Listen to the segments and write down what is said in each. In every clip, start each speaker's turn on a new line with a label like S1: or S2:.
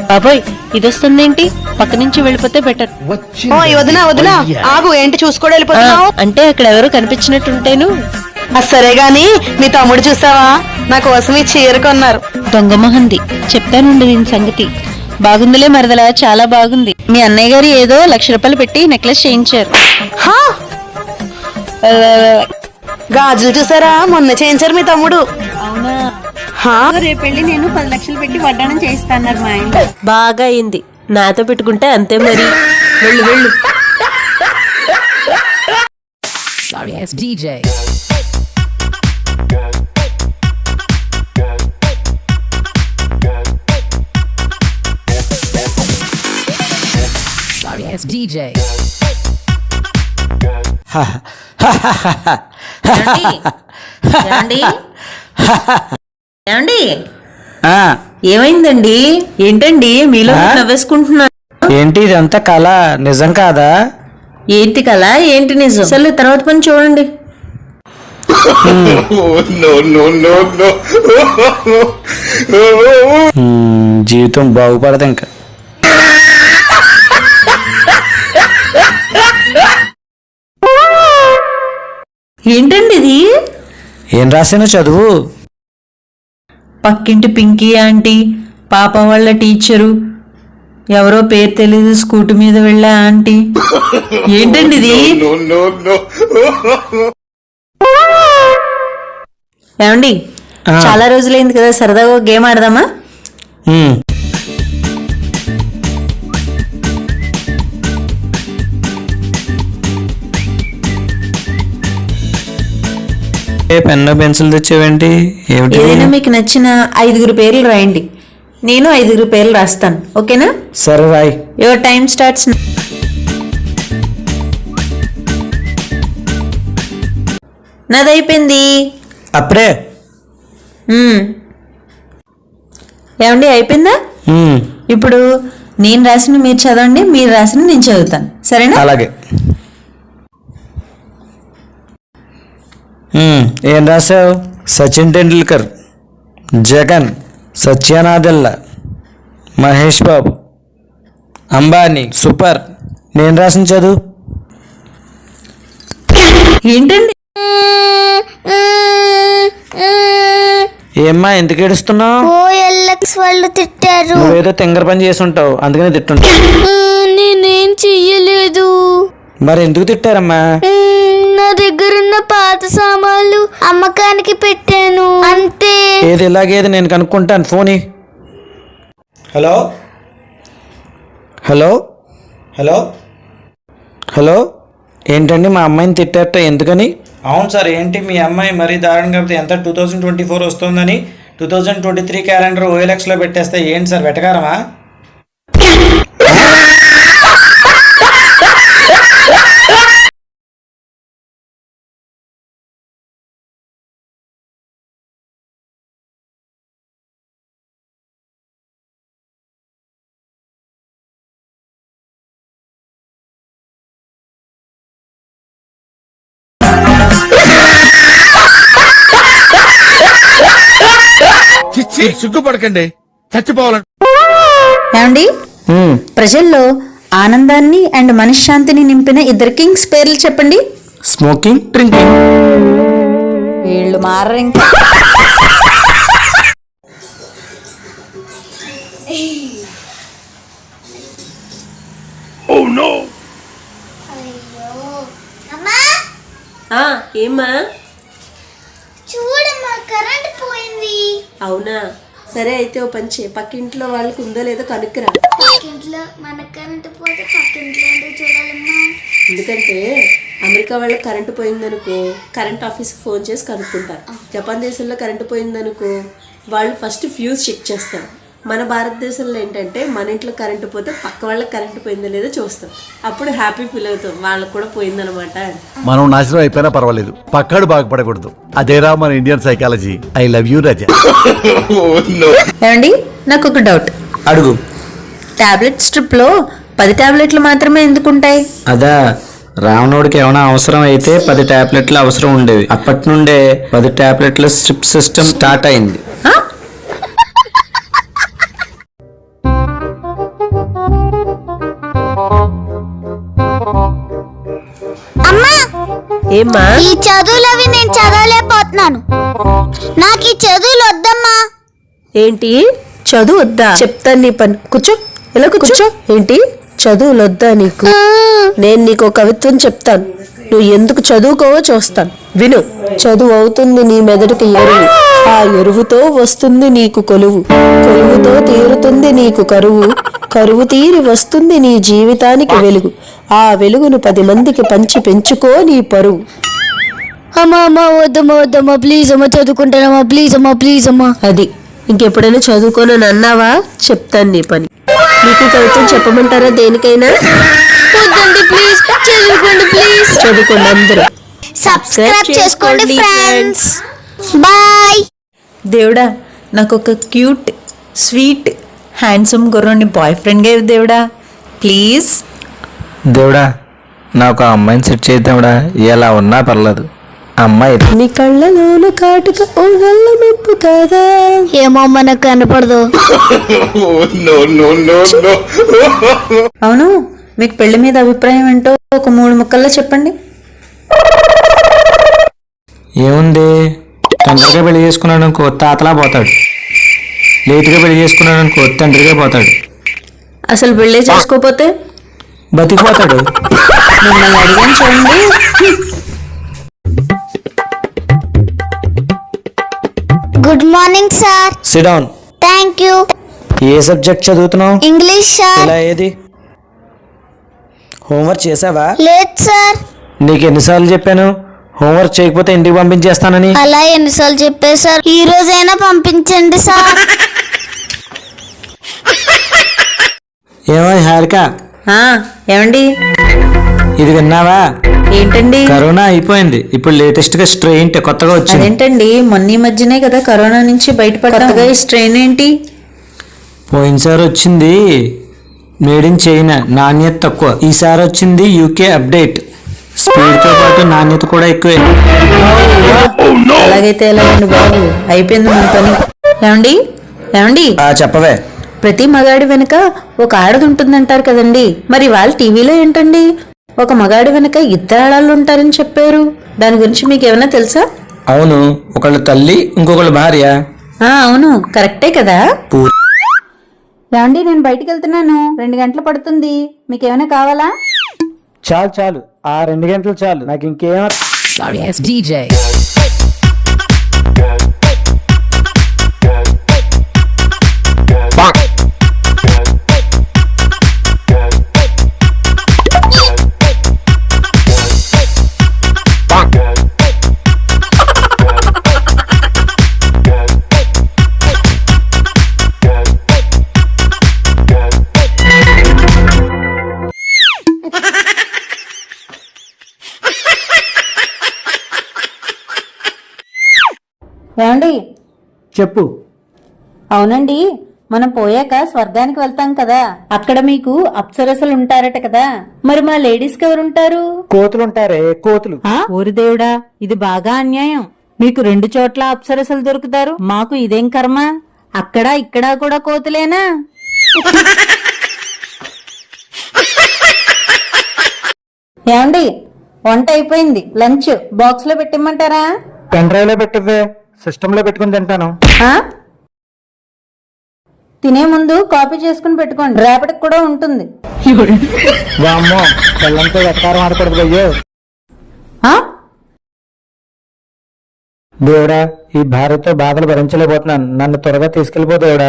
S1: బాబోయ్ ఇది వస్తుందేంటి? పక్క నుంచి వెళ్ళిపోతే బెటర్.
S2: వదినా వదినా ఆగు, ఏంటి చూసుకోవడం వెళ్ళిపోతున్నావు?
S1: అంటే అక్కడ ఎవరు కనిపించినట్టుంటేను.
S2: సరే గాని మీ తమ్ముడు చూసావా, నా కోసం ఈ చీర కొన్నారు.
S1: దొంగ మొహంది. చెప్తానుండి దీని సంగతి. బాగుందిలే మరదలా, చాలా బాగుంది. మీ అన్నయ్య గారు ఏదో 1,00,000 రూపాయలు పెట్టి నెక్లెస్ చేయించారు.
S2: హా, గాజులు చూసారా, మొన్న చేయించారు మీ తమ్ముడు.
S1: అవునా?
S2: హా,
S1: రేపు వెళ్ళి నేను 10 లక్షలు పెట్టి వడ్డాణం చేయిస్తాన్నారు మా ఆయన. బాగా అయింది. నాతో పెట్టుకుంటే అంతే మరి. వెళ్ళు వెళ్ళు.
S3: Sorry, it's DJ. Sorry, it's DJ.
S1: ఏమండి? ఏమైందండి? ఏంటండి మీలో నవ్వేసుకుంటున్నారు?
S4: ఏంటి ఇదంతా కళ, నిజం కాదా?
S1: ఏంటి కలా, ఏంటి నిజం? అసలు తర్వాత పని చూడండి.
S4: జీవితం బాగుపడదు ఇంకా.
S1: ఏంటండి ఇది?
S4: ఏం రాసానో చదువు.
S1: పక్కింటి పింకీ ఆంటీ, పాప వాళ్ళ టీచరు, ఎవరో పేరు తెలీదు, స్కూటీ మీద వెళ్ళే ఆంటీ. ఏంటండి ఇది? ఏమండి, చాలా రోజులైంది కదా, సరదాగా గేమ్ ఆడదామా?
S4: పెన్ను పెన్సిల్ తెచ్చేవేంటి?
S1: ఏదైనా మీకు నచ్చిన 5 పేర్లు రాయండి, నేను 5 పేర్లు రాస్తాను. ఓకేనా?
S4: సరే రాయ్.
S1: Your time starts. నాదైపోయింది.
S4: అప్పుడే
S1: ఏమండి అయిపోయిందా? ఇప్పుడు నేను రాసిన మీరు చదవండి, మీరు రాసిన నేను చదువుతాను. సరేనా?
S4: అలాగే. ఏం రాసావు? సచిన్ టెండూల్కర్, జగన్, సత్యనాదెల్లా, మహేష్ బాబు, అంబానీ. సూపర్. నేను రాసిన చదువు.
S1: ఏంటండి?
S4: ఏమ్మా ఎందుకు ఏడుస్తున్నావు?
S5: వాళ్ళు తిట్టారు.
S4: నువ్వేదో తింగర పని చేసి ఉంటావు, అందుకనే తిట్టుంటావు.
S5: నేనేం చెయ్యలేదు.
S4: మరి ఎందుకు తిట్టారమ్మా?
S5: నా దగ్గరున్న పాత సామాన్లు అమ్మకానికి పెట్టాను అంతే.
S4: ఏది ఇలాగేది నేను కనుక్కుంటాను. Phone. Hello hello hello hello. ఏంటండి మా అమ్మాయిని తిట్టారట, ఎందుకని? అవును సార్. ఏంటి మీ అమ్మాయి మరీ దారుణంగా కాకపోతే ఎంత 2024 వస్తుందని 2023 క్యాలెండర్ OLXలో పెట్టేస్తే ఏంటి సార్ వెటకారమా?
S6: సిగ్గుపడకండి, చచ్చిపోవాలండి.
S1: ఏమండి, ప్రజల్లో ఆనందాన్ని అండ్ మనశ్శాంతిని నింపిన 2 కింగ్స్ పేర్లు చెప్పండి.
S4: Smoking, drinking.
S1: వీళ్ళు మారరు ఇంకా. ఏమ్మా?
S5: చూడమ్మా, కరెంట్ పోయింది.
S1: అవునా? సరే అయితే ఓ పంచే, పక్కింట్లో వాళ్ళకి ఉందో లేదో కనుక్కురా.
S5: పక్కింట్లో మన కరెంట్ పోతే పక్కింట్లో ఎందుకు చూడాలమ్మా?
S1: ఎందుకంటే అమెరికా వాళ్ళకి కరెంటు పోయిందనుకో కరెంట్ ఆఫీస్కి ఫోన్ చేసి కనుక్కుంటారు. జపాన్ దేశంలో కరెంటు పోయిందనుకో వాళ్ళు ఫస్ట్ ఫ్యూజ్ చెక్ చేస్తారు. మన భారతదేశంలో ఏంటంటే మన ఇంట్లో కరెంటు పోతే పక్క వాళ్ళకి కరెంటు పోయిందో లేదో చూస్తాం. అప్పుడు హ్యాపీ ఫీల్ అవుతాం, వాళ్ళకి కూడా పోయిందనమాట.
S6: మనం నాశనం అయిపోయినా పర్వాలేదు, పక్కాడు బాగుపడకూడదు. అదేరా మన Indian psychology. I love you Raza.
S1: ఏమండి, నాకు ఒక డౌట్.
S4: అడుగు.
S1: టాబ్లెట్ స్ట్రిప్ లో 10 టాబ్లెట్లు మాత్రమే ఎందుకుంటాయి?
S4: అదా, రావణుడికి ఏమైనా అవసరం అయితే 10 టాబ్లెట్లు అవసరం ఉండేవి. అప్పటి నుండే 10 టాబ్లెట్ల స్ట్రిప్ సిస్టమ్ స్టార్ట్ అయింది.
S1: ఏమ్మా?
S5: ఈ చదువులవి నేను చదవలేకపోతున్నాను. నాకు ఈ చదువులు వద్దమ్మా.
S1: ఏంటి చదువు వద్దా? చెప్తాను నీ పని. కూర్చో, ఎలా కూర్చో. ఏంటి చదువులు వద్దా నీకు? నేను నీకు ఒక కవిత్వం చెప్తాను, నువ్వు ఎందుకు చదువుకోవో చూస్తాను, విను. చదువు అవుతుంది నీ మెదడుకి ఎరువు, ఆ ఎరువుతో వస్తుంది నీకు కొలువు, కొలువుతో తీరుతుంది నీకు కరువు, కరువు తీరి వస్తుంది నీ జీవితానికి వెలుగు, ఆ వెలుగును 10 మందికి పంచి పెంచుకో నీ పరువు.
S5: అమ్మా వద్దమ్మా ప్లీజ్ అమ్మా, చదువుకుంటానమ్మా ప్లీజ్ అమ్మా, ప్లీజ్ అమ్మా.
S1: అది ఇంకెప్పుడైనా చదువుకోనని అన్నావా? చెప్తాను నీ పని. మీకు కవిత్వం చెప్పమంటారా? దేనికైనా
S5: వద్దండి ప్లీజ్, చదువుకోండి ప్లీజ్.
S1: చదువుకోండి అందరూ.
S5: సబ్స్క్రైబ్ చేసుకోండి ఫ్రెండ్స్. బాయ్.
S7: దేవుడా, నాకు ఒక క్యూట్ స్వీట్ హ్యాండ్సమ్ గుర్రాన్ని బాయ్ ఫ్రెండ్గా ఇవ్వు దేవుడా, ప్లీజ్.
S4: దేవుడా, నాకు ఆ అమ్మాయిని సెట్ చేద్దాండా, ఎలా ఉన్నా పర్లేదు. అమ్మాయి
S1: నీ కళ్ళలోన కాటుక ఓ నల్ల మెప్పు కదా.
S5: ఏమో మనకు కనపడదు.
S7: అవును, మీకు పెళ్లి మీద అభిప్రాయం ఏంటో ఒక 3 ముక్కల్లో చెప్పండి.
S4: ఏముంది, తొందరగా పెళ్లి చేసుకున్నాడు అనుకో తాతలా పోతాడు, లేటుగా పెళ్లి చేసుకున్నాడు అనుకో తండ్రిగా పోతాడు,
S1: అసలు పెళ్ళే చేసుకోపోతే
S4: బతికిపోతాడు.
S7: మిమ్మల్ని అడిగాను చూడండి.
S5: Good morning sir.
S4: Sit down.
S5: Thank you.
S4: ఏ సబ్జెక్ట్ చదువుతున్నావు?
S5: English sir.
S4: ఇలా ఏది హోంవర్క్ చేసావా?
S5: లేదు సార్.
S4: నీకు ఎన్నిసార్లు చెప్పాను హోంవర్క్ చేయకపోతే ఇంటికి పంపించేస్తానని?
S5: అలా ఎన్నిసార్లు చెప్పారు సార్? ఈ రోజైనా పంపించండి సార్.
S4: ఏమో హారిక,
S7: ఏమండి,
S4: ఇది విన్నావా?
S7: ఏంటండి?
S4: కరోనా అయిపోయింది, ఇప్పుడు లేటెస్ట్ గా స్ట్రెయిన్ కొత్తగా వచ్చింది.
S7: అదేంటండి, మొన్న ఈ మధ్యనే కదా కరోనా నుంచి బయటపడ్డా, ఈ స్ట్రెయిన్ ఏంటి?
S4: పోయినసారి వచ్చింది మేడ్ ఇన్ చైనా, నాణ్యత తక్కువ. ఈసారి వచ్చింది యూకే అప్డేట్, స్పీడ్ తో పాటు నాణ్యత కూడా ఎక్కువే.
S7: అలాగైతే ఎలాగండి బాబు, అయిపోయింది మన పని. ఏమండి ఏమండి,
S4: చెప్పవే.
S7: ప్రతి మగాడి వెనుక ఒక ఆడది ఉంటుందంటారు కదండి, మరి వాళ్ళ టీవీలో ఏంటండి ఒక మగాడి వెనుక 2 ఆడాళ్ళు ఉంటారని చెప్పారు, దాని గురించి మీకు ఏమైనా తెలుసా?
S4: అవును, ఒకళ్ళు తల్లి ఇంకొకళ్ళు భార్య.
S7: అవును, కరెక్టే కదా. ఏమండి, నేను బయటికి వెళ్తున్నాను, 2 గంటలు పడుతుంది, మీకు ఏమైనా కావాలా?
S4: చాలు చాలు, ఆ 2 గంటలు చాలు, నాకు ఇంకేం.
S3: Sorry ass DJ.
S7: ఏమండి,
S4: చెప్పు.
S7: అవునండి, మనం పోయాక స్వర్గానికి వెళ్తాం కదా, అక్కడ మీకు అప్సరసలు ఉంటారట కదా, మరి మా లేడీస్ కి ఎవరుంటారు?
S4: కోతులుంటారే, కోతులు.
S7: ఓరి దేవుడా, ఇది బాగా అన్యాయం. మీకు 2 చోట్ల అప్సరసలు దొరుకుతారు, మాకు ఇదేం కర్మ? అక్కడ ఇక్కడ కూడా కోతులేనా? ఏమండి, వంట అయిపోయింది, లంచ్ బాక్స్ లో పెట్టిమ్మంటారా?
S4: పెన్ డ్రైవ్ లో పెట్టవే, సిస్టమ్ లో పెట్టుకుని తింటాను.
S7: తినే ముందు కాపీ చేసుకుని పెట్టుకోండి, రేపటికి కూడా ఉంటుంది.
S4: వామ్మో, పిల్లంతో వెక్కారం ఆడకూడదు అయ్యో. దేవుడా, ఈ భార్యతో బాధలు భరించలేకపోతున్నాను, నన్ను త్వరగా తీసుకెళ్లిపో దేవుడా.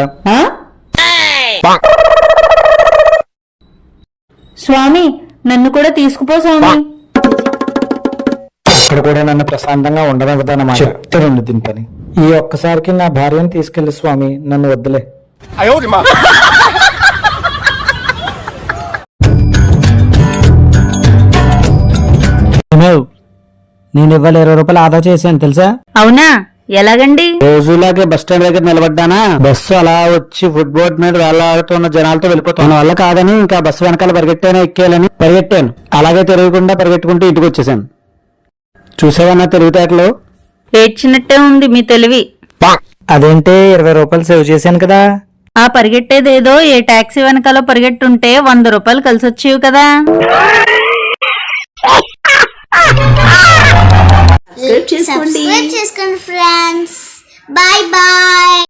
S7: స్వామి, నన్ను కూడా తీసుకుపో స్వామి.
S4: ఇక్కడ కూడా నన్ను ప్రశాంతంగా ఉండదన్నమాట. చెప్తానండి దీని పని. ఈ ఒక్కసారికి నా భార్యను తీసుకెళ్లి స్వామి, నన్ను వద్దులే. నేను ఇవాళ 20 రూపాయలు ఆదా చేశాను తెలుసా?
S7: అవునా, ఎలాగండి?
S4: రోజులాగే బస్ స్టాండ్ దగ్గర నిలబడ్డానా, బస్సు అలా వచ్చి ఫుట్ బోర్డ్ మీద వేలాడుతున్న జనాలతో వెళ్ళిపోతాను వల్ల కాదని ఇంకా బస్సు వెనకాల పరిగెట్టాను, ఎక్కేయాలని పరిగెట్టాను. అలాగే తిరగకుండా పరిగెట్టుకుంటూ ఇంటికి వచ్చేసాను. చూసావన్నా తెలివితేటలు?
S7: ఏడ్చినట్టే ఉంది మీ తెలివి.
S4: అదేంటే 20 రూపాయలు సేవ్ చేశాను కదా.
S7: ఆ పరిగెట్టేదేదో ఏ టాక్సీ వెనకాల పరిగెట్టుంటే 100 రూపాయలు కలిసొచ్చేవి కదా.
S1: చేసుకోండి
S5: సబ్స్క్రైబ్ చేసుకోండి ఫ్రెండ్స్. Bye bye.